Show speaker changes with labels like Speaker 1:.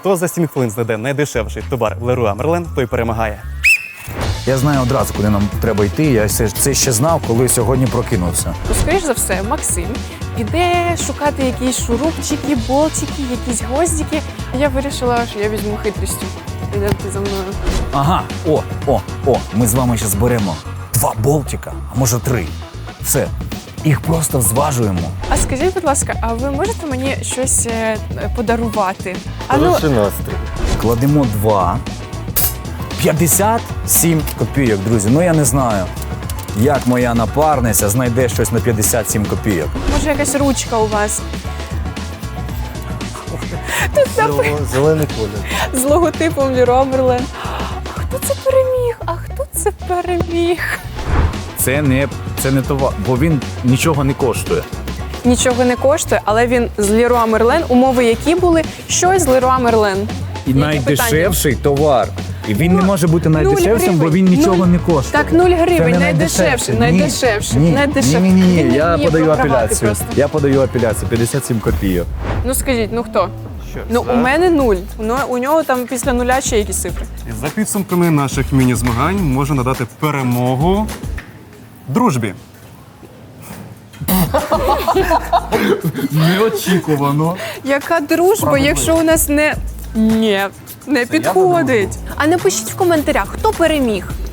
Speaker 1: Хто за 7 хвилин знайде найдешевший товар в Леруа Мерлен, той перемагає.
Speaker 2: Я знаю одразу, куди нам треба йти. Я це ще знав, коли сьогодні прокинувся.
Speaker 3: То, скоріш за все, Максим піде шукати якісь шурупчики, болтики, якісь гвоздики. А я вирішила, що я візьму хитрістю. Йдемте за мною.
Speaker 2: Ага, ми з вами ще зберемо 2 болтика, а може 3. Все, їх просто зважуємо.
Speaker 3: А скажіть, будь ласка, а ви можете мені щось подарувати? А ну,
Speaker 4: Хороший настрій.
Speaker 2: Кладемо 2. 57 копійок, друзі. Ну я не знаю, як моя напарниця знайде щось на 57 копійок.
Speaker 3: може якась ручка у вас?
Speaker 4: Зелений колір.
Speaker 3: З логотипом Леруа Мерлен. А хто це переміг? А хто це переміг?
Speaker 2: Це не товар, бо він нічого не коштує.
Speaker 3: Нічого не коштує, але він з Леруа Мерлен. Умови які були? Щось з Леруа Мерлен.
Speaker 2: І
Speaker 3: Які
Speaker 2: найдешевший товар. І він не може бути
Speaker 3: 0
Speaker 2: найдешевшим, бо він
Speaker 3: гривень.
Speaker 2: нічого не коштує.
Speaker 3: Так, 0 гривень,
Speaker 2: Це не
Speaker 3: найдешевший,
Speaker 2: Ні,
Speaker 3: найдешевший,
Speaker 2: ні,
Speaker 3: найдешевший.
Speaker 2: Ні,
Speaker 3: Він не
Speaker 2: я
Speaker 3: вміє
Speaker 2: подаю
Speaker 3: програвати
Speaker 2: апеляцію.
Speaker 3: просто.
Speaker 2: Я подаю апеляцію, 57 копійок.
Speaker 3: Ну скажіть, ну хто?
Speaker 1: Що,
Speaker 3: Ну
Speaker 1: все?
Speaker 3: у мене 0. У нього там після нуля ще якісь цифри.
Speaker 1: І за підсумками наших міні-змагань можу надати перемогу дружбі.
Speaker 2: Неочікувано.
Speaker 3: Яка дружба, якщо у нас не... Ні, не підходить. А напишіть в коментарях, хто переміг.